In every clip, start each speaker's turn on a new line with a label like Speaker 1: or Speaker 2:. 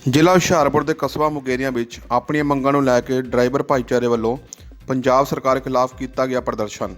Speaker 1: ਜ਼ਿਲ੍ਹਾ ਹੁਸ਼ਿਆਰਪੁਰ ਦੇ ਕਸਬਾ ਮੁਕੇਰੀਆਂ ਵਿੱਚ ਆਪਣੀਆਂ ਮੰਗਾਂ ਨੂੰ ਲੈ ਕੇ ਡਰਾਈਵਰ ਭਾਈਚਾਰੇ ਵੱਲੋਂ ਪੰਜਾਬ ਸਰਕਾਰ ਖਿਲਾਫ ਕੀਤਾ ਗਿਆ ਪ੍ਰਦਰਸ਼ਨ।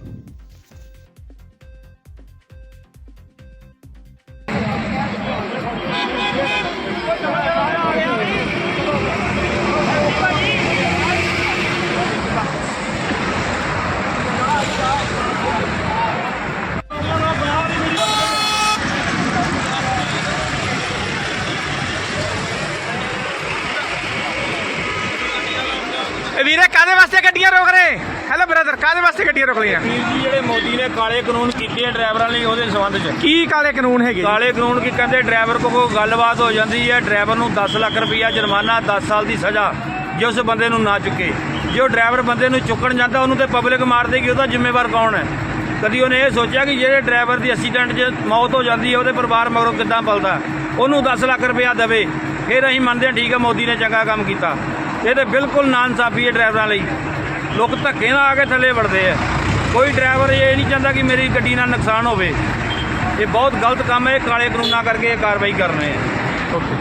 Speaker 2: ਵੀਰੇ ਕਾਦੇ ਵਾਸਤੇ ਗੱਡੀਆਂ ਰੋਕ ਰਹੇ? ਹੈਲੋ ਬ੍ਰਦਰ, ਕਾਦੇ ਵਾਸਤੇ ਗੱਡੀਆਂ ਰੋਕ ਲਈਆਂ?
Speaker 3: ਵੀਰ ਜੀ ਜਿਹੜੇ ਮੋਦੀ ਨੇ ਕਾਲੇ ਕਾਨੂੰਨ ਕੀਤੇ ਆ ਡਰਾਈਵਰਾਂ ਲਈ, ਉਹਦੇ ਸੰਬੰਧ 'ਚ
Speaker 2: ਕੀ ਕਾਲੇ ਕਾਨੂੰਨ ਹੈਗੇ?
Speaker 3: ਕਾਲੇ ਕਾਨੂੰਨ ਕੀ ਕਹਿੰਦੇ, ਡਰਾਈਵਰ ਕੋਲ ਕੋਈ ਗੱਲਬਾਤ ਹੋ ਜਾਂਦੀ ਹੈ, ਡਰਾਈਵਰ ਨੂੰ 10 ਲੱਖ ਰੁਪਈਆ ਜੁਰਮਾਨਾ, 10 ਸਾਲ ਦੀ ਸਜ਼ਾ ਜੇ ਉਸ ਬੰਦੇ ਨੂੰ ਨਾ ਚੁੱਕੇ। ਜੇ ਉਹ ਡਰਾਈਵਰ ਬੰਦੇ ਨੂੰ ਚੁੱਕਣ ਜਾਂਦਾ ਉਹਨੂੰ ਤੇ ਪਬਲਿਕ ਮਾਰ ਦੇਗੀ, ਉਹਦਾ ਜ਼ਿੰਮੇਵਾਰ ਕੌਣ ਹੈ? ਕਦੀ ਉਹਨੇ ਇਹ ਸੋਚਿਆ ਕਿ ਜਿਹੜੇ ਡਰਾਈਵਰ ਦੀ ਐਕਸੀਡੈਂਟ 'ਚ ਮੌਤ ਹੋ ਜਾਂਦੀ ਹੈ ਉਹਦੇ ਪਰਿਵਾਰ ਮਗਰੋਂ ਕਿੱਦਾਂ ਪਲਦਾ? ਉਹਨੂੰ 10 ਲੱਖ ਰੁਪਈਆ ਦੇਵੇ, ਫਿਰ ਅਸੀਂ ਮੰਨਦੇ ਹਾਂ ਠੀਕ ਹੈ ਮੋਦੀ ਨੇ ਚੰਗਾ ਕੰਮ ਕੀਤਾ। ਇਹ ਤਾਂ ਬਿਲਕੁਲ ਨਾਇਨਸਾਫੀ ਹੈ ਡਰਾਈਵਰਾਂ ਲਈ। ਲੋਕ ਧੱਕੇ ਨਾਲ ਆ ਕੇ ਥੱਲੇ ਵੜਦੇ ਆ। ਕੋਈ ਡਰਾਈਵਰ ਇਹ ਨਹੀਂ ਚਾਹੁੰਦਾ ਕਿ ਮੇਰੀ ਗੱਡੀ ਨਾਲ ਨੁਕਸਾਨ ਹੋਵੇ। ਇਹ ਬਹੁਤ ਗਲਤ ਕੰਮ ਹੈ। ਇਹ ਕਾਲੇ ਕਾਨੂੰਨਾਂ ਕਰਕੇ ਇਹ ਕਾਰਵਾਈ ਕਰ ਰਹੇ ਆ। ਓਕੇ।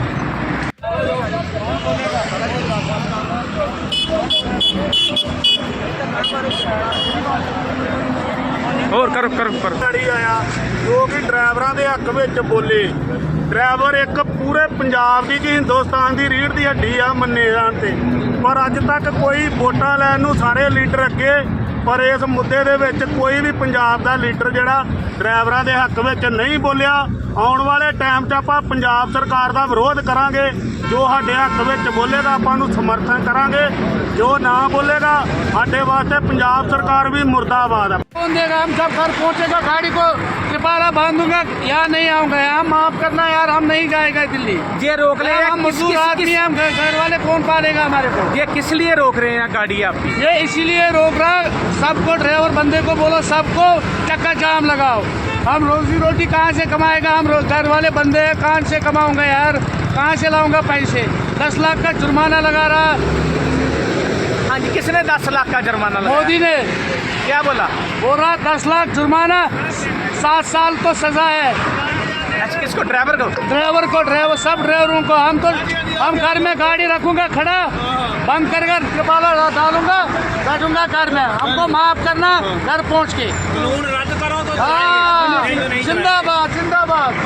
Speaker 2: ਹੋਰ ਕਰੋ ਕਰੋ ਕਰੋ।
Speaker 4: ਆਇਆ ਜੋ ਕਿ ਡਰਾਈਵਰਾਂ ਦੇ ਹੱਕ ਵਿੱਚ ਬੋਲੇ। ਡਰਾਈਵਰ ਇੱਕ ਪੂਰੇ ਪੰਜਾਬ ਦੀ ਕਿ ਹਿੰਦੁਸਤਾਨ ਦੀ ਰੀੜ੍ਹ ਦੀ ਹੱਡੀ ਆ ਮੰਨੇ ਜਾਣ ਤੇ, ਪਰ ਅੱਜ ਤੱਕ ਕੋਈ ਵੋਟਾਂ ਲੈਣ ਨੂੰ ਸਾਰੇ ਲੀਡਰ ਅੱਗੇ, ਪਰ ਇਸ ਮੁੱਦੇ ਦੇ ਵਿੱਚ ਕੋਈ ਵੀ ਪੰਜਾਬ ਦਾ ਲੀਡਰ ਜਿਹੜਾ ਡਰਾਈਵਰਾਂ ਦੇ ਹੱਕ ਵਿੱਚ ਨਹੀਂ ਬੋਲਿਆ। ਆਉਣ ਵਾਲੇ ਟਾਈਮ 'ਚ ਆਪਾਂ ਪੰਜਾਬ ਸਰਕਾਰ ਦਾ ਵਿਰੋਧ ਕਰਾਂਗੇ। ਜੋ ਸਾਡੇ ਹੱਕ ਵਿੱਚ ਬੋਲੇਗਾ ਆਪਾਂ ਨੂੰ ਸਮਰਥਨ ਕਰਾਂਗੇ, ਜੋ ਨਾ ਬੋਲੇਗਾ ਸਾਡੇ ਵਾਸਤੇ ਪੰਜਾਬ सरकार भी मुर्दाबाद है।
Speaker 5: कौन देगा? हम सब घर पहुंचेगा, गाड़ी को तिपारा बांधूंगा, यहाँ नहीं आऊंगा, यहाँ माफ करना यार, हम नहीं जाएगा दिल्ली।
Speaker 2: ये रोक ले
Speaker 5: हम मजदूर आदमी हैं, हम घर वाले कौन पालेगा हमारे को?
Speaker 2: ये किस लिए रोक रहे हैं गाड़ी आपकी?
Speaker 5: ये इसीलिए रोक रहा, सबको ड्राइवर बंदे को बोलो सबको चक्का जाम लगाओ। हम रोजी रोटी कहाँ से कमाएगा? हम घर वाले बंदे हैं, कहाँ से कमाऊंगा यार, कहाँ से लाऊंगा पैसे? 10 लाख का जुर्माना लगा रहा।
Speaker 2: हाँ जी, किसने 10 लाख का जुर्माना लगाया?
Speaker 5: मोदी ने
Speaker 2: क्या बोला?
Speaker 5: बोल रहा 10 लाख जुर्माना, 7 साल को सजा है।
Speaker 2: अच्छा, किसको? ड्राइवर को?
Speaker 5: ड्राइवर सब ड्राइवरों को। हम घर में गाड़ी रखूंगा खड़ा, बंद कर तिपाला डालूंगा, बैठूंगा घर में। हमको माफ करना घर पहुंच के।
Speaker 3: ਕਾਨੂੰਨ ਰੱਦ ਕਰੋ।
Speaker 5: हाँ, जिंदाबाद जिंदाबाद।